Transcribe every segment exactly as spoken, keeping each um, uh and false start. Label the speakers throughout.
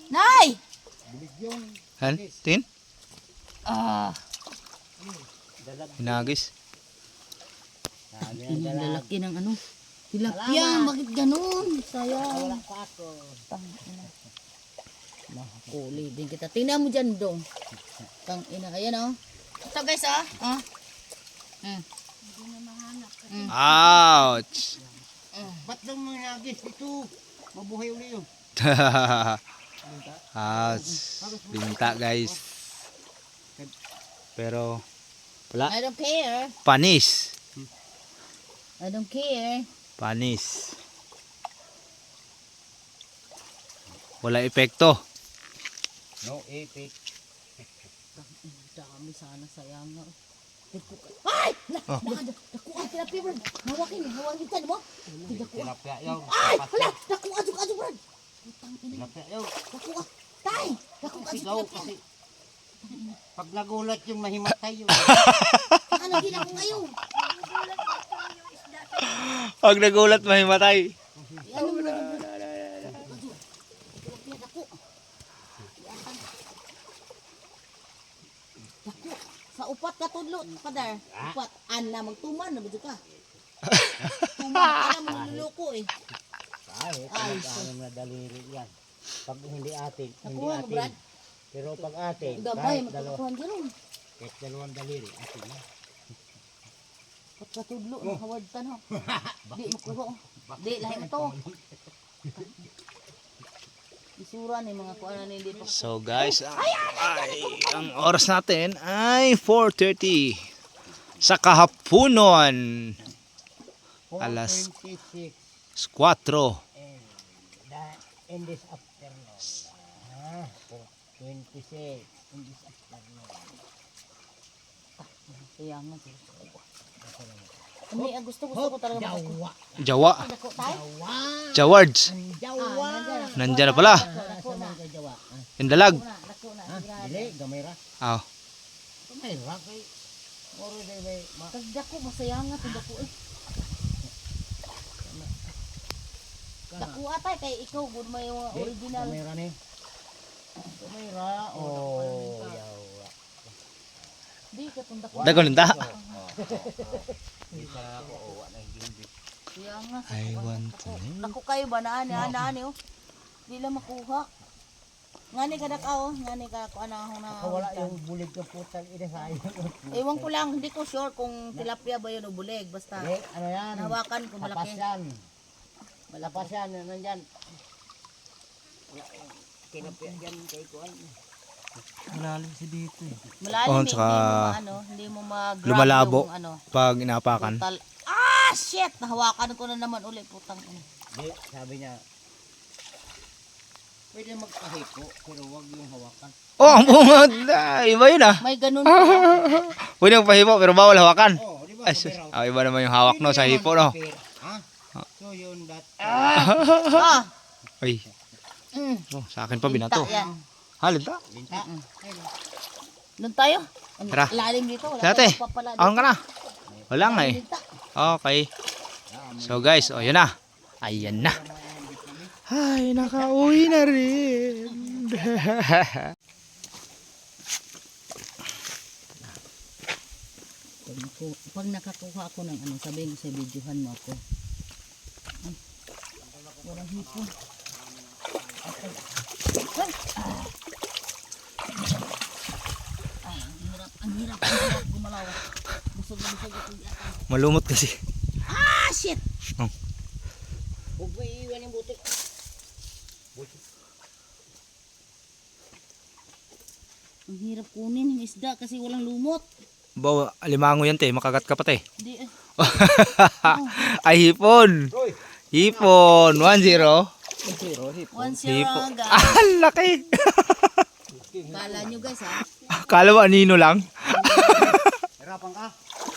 Speaker 1: Nay!
Speaker 2: Han? Tin?
Speaker 1: Ah,
Speaker 2: Hinagis.
Speaker 1: ang lalaki ng ano. Tilapia, bakit ganun? Sayang. Tangina. Mahuli din kita. Tingnan mo dyan, dong. Tangina, ayan oh. Ito guys, ah. Ah. Mm. Mm.
Speaker 2: Ouch!
Speaker 3: Ba't daw mga nagis ito? Mabuhay uli yun.
Speaker 2: Ouch! Binta guys. Pero wala.
Speaker 1: I don't care.
Speaker 2: Panis.
Speaker 1: I don't care.
Speaker 2: Panis. Wala epekto.
Speaker 3: No epic.
Speaker 1: Dami sana, sayang nga. Ay!
Speaker 2: Oh.
Speaker 1: Nakuha tilapia, Brad. Hawakin, hawakin ka, mo.
Speaker 3: Tilapia yun.
Speaker 1: Ay! Hala! Nakuha, aduk, aduk, Brad. Putang ina.
Speaker 3: Tilapia yun.
Speaker 1: Nakuha. Tay! Nakuha, aduk,
Speaker 3: Sigaw
Speaker 1: tilapia.
Speaker 3: kasi. Pag nagulat yung mahimatay yun.
Speaker 1: Ano din ako ngayon?
Speaker 2: Pag nagulat mahimatay.
Speaker 1: Ano mo na, Brad? Tilapia, naku. Naku. Sa upat ka tudlo, padar. Upat. Ana, magtuman na ba ka? Tuman ka na, magluloko eh.
Speaker 3: Kahit
Speaker 1: Ay,
Speaker 3: ano na daliri yan. Pag hindi atin, hindi
Speaker 1: Nakuha mo,
Speaker 3: atin.
Speaker 1: Brad?
Speaker 3: Pero pag atin,
Speaker 1: Gabay,
Speaker 3: kahit dalawa,
Speaker 1: magkakuhan dyan.
Speaker 3: kahit dalawang daliri, atin na.
Speaker 1: Pat katudlo, nakawad ta no. Di makuha. Di, lahi mo to. Isura ni mga kuana ni hindi pa.
Speaker 2: So guys, ay, ang oras natin ay four thirty sa kahaponon. Alas
Speaker 3: four twenty-six
Speaker 2: four.
Speaker 3: and that in this afternoon. Ah, four twenty-six in this afternoon.
Speaker 1: Sayang nga. Hindi, ang gusto gusto ko talaga makakuha.
Speaker 3: Jawa.
Speaker 2: Jawa.
Speaker 1: Dako tayo.
Speaker 3: Jawa.
Speaker 2: Jawards.
Speaker 3: Jawa.
Speaker 2: Nandyan na pala.
Speaker 1: Dako na.
Speaker 3: Sa Jawa. Ah,
Speaker 2: Indalag.
Speaker 1: Dako na.
Speaker 3: ah, dili, gamay ra.
Speaker 2: Oh.
Speaker 3: Gamay ra kay Moro day may ma
Speaker 1: Kag dako masayang nga tong dako eh. Dako atay kay ikaw gud may mga
Speaker 3: Di,
Speaker 1: original.
Speaker 3: gamay ra ni. Gamay ra. Oh, yawa.
Speaker 1: Di ka tong dako.
Speaker 2: Dagon linta.
Speaker 3: Di para ako owa na hindi.
Speaker 1: Sayang nga.
Speaker 2: I want to
Speaker 1: Dako kayo ba na ani ani oh. Di lang makuha. Ngani ka dak oh, ngani ka ko ana na.
Speaker 3: Wala yung bulig ka putang ina sayang.
Speaker 1: Ewan ko lang, hindi ko sure kung tilapia ba yun o bulig. Basta
Speaker 3: Di, ano yan?
Speaker 1: nahawakan ko
Speaker 3: Lapas
Speaker 1: malaki.
Speaker 3: yan. Malapas yan, nandyan. Kinapya yan kay Kuan. Malalim si dito eh.
Speaker 1: Malalim
Speaker 2: Oh,
Speaker 1: eh,
Speaker 2: tsaka
Speaker 1: hindi mo ano, hindi mo mag-grab
Speaker 2: lumalabo.
Speaker 1: yung ano.
Speaker 2: Pag inapakan.
Speaker 1: Total. Ah, shit! Nahawakan ko na naman ulit, putang ina.
Speaker 3: Di, sabi niya, pwede magpahipo, pero wag yung hawakan.
Speaker 2: Oh, ang bungad. Iba yun ah.
Speaker 1: May ganun pa.
Speaker 2: Pwede yung pahipo pero bawal hawakan.
Speaker 3: Oh, di ba?
Speaker 2: Ay, sus. Ah, iba naman yung hawak no sa hipo no.
Speaker 3: Ha? So yun, that.
Speaker 1: ah!
Speaker 2: Ay,
Speaker 1: Mm.
Speaker 2: oh, sa akin pa binato.
Speaker 1: Linta yan.
Speaker 2: Halid ta.
Speaker 3: Binta.
Speaker 1: Doon tayo. Ang
Speaker 2: Tara.
Speaker 1: lalim dito. Wala
Speaker 2: Dati.
Speaker 1: tayong papala dito.
Speaker 2: Ahon ka na. Wala nga eh.
Speaker 1: Linta.
Speaker 2: Okay. So guys, oh yun na. Ayan na. Ay, nakauwi na rin.
Speaker 1: Pag, naku- pag nakakuha ako ng ano, sabihin ko sa videohan mo ako. Ay, walang hipon. Ay, ah. Ay, ang hirap, ang hirap, ang hirap gumalaw. Busog na busog ako yata.
Speaker 2: Malumot kasi.
Speaker 1: Ah, shit!
Speaker 3: Huwag mo iiwan yung butik. Butik.
Speaker 1: Ang hirap kunin yung isda kasi walang lumot.
Speaker 2: Bawa, alimango yan te. Makagat ka pa te.
Speaker 1: Hindi eh.
Speaker 2: Ay, hipon.
Speaker 3: Roy!
Speaker 2: Hipon. One zero.
Speaker 3: Zero, hip.
Speaker 1: One zero
Speaker 2: Hipon.
Speaker 1: guys.
Speaker 2: Ah, laki.
Speaker 1: Kala nyo guys ha.
Speaker 2: Akala mo anino lang.
Speaker 3: Hirapan ka.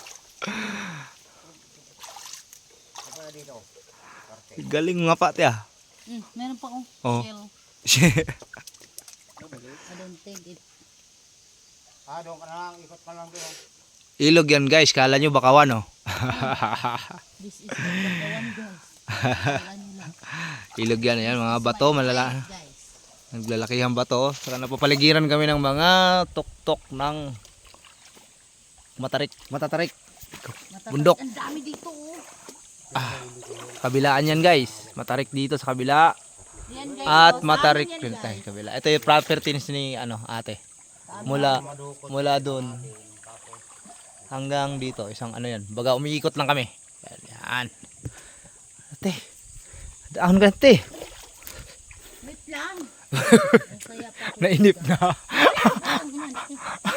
Speaker 3: Apa dito?
Speaker 2: Galing nga pa te ah.
Speaker 1: Mm, meron pa oh.
Speaker 2: Oh.
Speaker 1: Shell. I don't think it.
Speaker 3: Ah, doon ka na lang. Ikot ka lang doon.
Speaker 2: Ilog yan guys. Kala nyo bakawan oh.
Speaker 1: This is the one guys. Kala nyo lang.
Speaker 2: Ilog yan. Yan mga bato malala.
Speaker 1: Guys.
Speaker 2: Naglalakihan ba to? Saka napapaligiran kami ng mga tuktok ng matarik, matatarik.
Speaker 1: Matatak-
Speaker 2: Bundok.
Speaker 1: Ang dami dito oh.
Speaker 2: Kabilaan yan guys. Matarik dito sa kabila.
Speaker 1: Yan guys.
Speaker 2: At
Speaker 1: oh, sa
Speaker 2: matarik
Speaker 1: amin yan,
Speaker 2: rin
Speaker 1: guys.
Speaker 2: tayo sa kabila. Ito yung property ni ano, ate. Mula mula doon hanggang dito, isang ano yan. Baga umiikot lang kami. Yan. yan. Ate. Daan ka ate.
Speaker 1: Wait lang. Ang saya pa ako.
Speaker 2: Nainip na.
Speaker 1: Ang hinan, eh.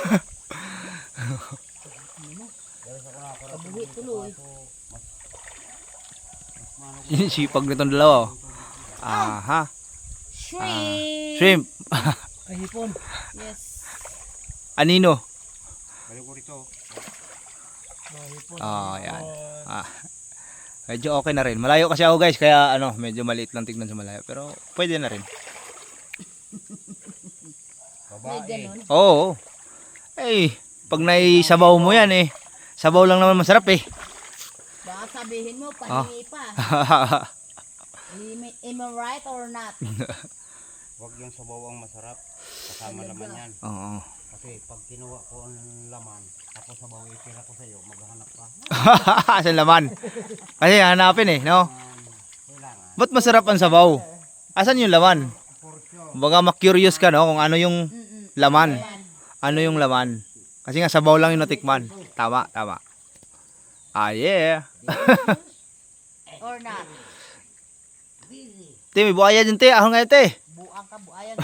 Speaker 1: Kabuhi tuloy.
Speaker 2: Sipag nitong dalawa. oh. Aha.
Speaker 1: Shrimp.
Speaker 2: Shrimp.
Speaker 3: Ay, hipon.
Speaker 1: Yes.
Speaker 2: Anino?
Speaker 3: Balik ko rito. Oh, hipon.
Speaker 2: Oh, yan. Ah. Medyo okay na rin. Malayo kasi ako guys, kaya ano, medyo maliit lang tignan sa malayo. Pero pwede na rin.
Speaker 1: May ganon.
Speaker 2: Oo. Eh, pag naisabaw mo yan eh. Sabaw lang naman masarap eh.
Speaker 1: Baka sabihin mo, pahingi pa. Am I- Am I right or not?
Speaker 3: Huwag yung sabaw ang masarap. Kasama laman yan.
Speaker 2: Oo.
Speaker 3: Kasi pag kinuha ko ang laman, tapos sabaw itira ko sa'yo, maghahanap ka.
Speaker 2: Asan laman? Kasi hanapin eh, no?
Speaker 3: Kailangan.
Speaker 2: Ba't masarap ang sabaw? Asan yung laman?
Speaker 3: Porsyon.
Speaker 2: Baga ma-curious ka no kung ano yung
Speaker 1: Mm-mm.
Speaker 2: laman.
Speaker 1: Yan.
Speaker 2: Ano yung laman? Kasi nga sabaw lang yung natikman. Tama, tama. Ah, yeah.
Speaker 1: Or not?
Speaker 2: Te, may buhaya dyan, te. Ahon nga, te.
Speaker 1: Buang ka, buayan.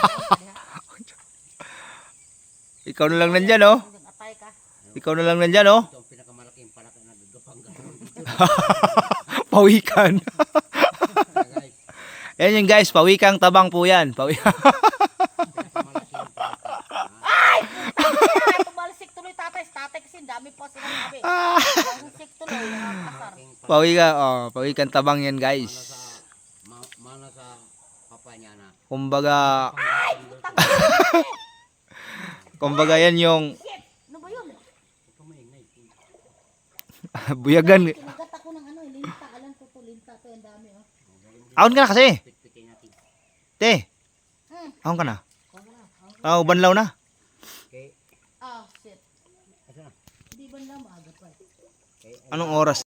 Speaker 2: Ikaw na lang nandyan, oh.
Speaker 1: Hanggang atay ka.
Speaker 2: Ikaw na lang nandyan, oh.
Speaker 3: Ito ang pinakamalaking palaka na gagapang-gapang.
Speaker 2: Pawikan.
Speaker 3: Guys,
Speaker 2: Yan yung guys, pawikang tabang po yan. Pawi
Speaker 3: pinakamalaking palaka.
Speaker 1: Ay, tumalsik tuloy tatay. Tatay kasi dami pa silang sabi. Tumalsik tuloy. Nakakasar.
Speaker 2: Pawika, oh. Pawikan tabang yan, guys.
Speaker 3: Ma mana sa papa niya na.
Speaker 2: Kumbaga, kumbaga yan yung
Speaker 1: Ano ba yun?
Speaker 3: Ito maingay.
Speaker 2: buyagan.
Speaker 1: Kinagat ako ng ano, eh, linta. Alam ko to, linta to. Ang dami, oh.
Speaker 2: Ahon ka na kasi.
Speaker 3: Pitpitin natin.
Speaker 2: Te,
Speaker 1: Hmm.
Speaker 2: ahon ka na. Oh, banlaw na.
Speaker 3: Okay.
Speaker 1: Ah, shit.
Speaker 3: Asa na?
Speaker 1: Hindi ba na maaga pa? eh?
Speaker 3: Okay.
Speaker 2: Anong oras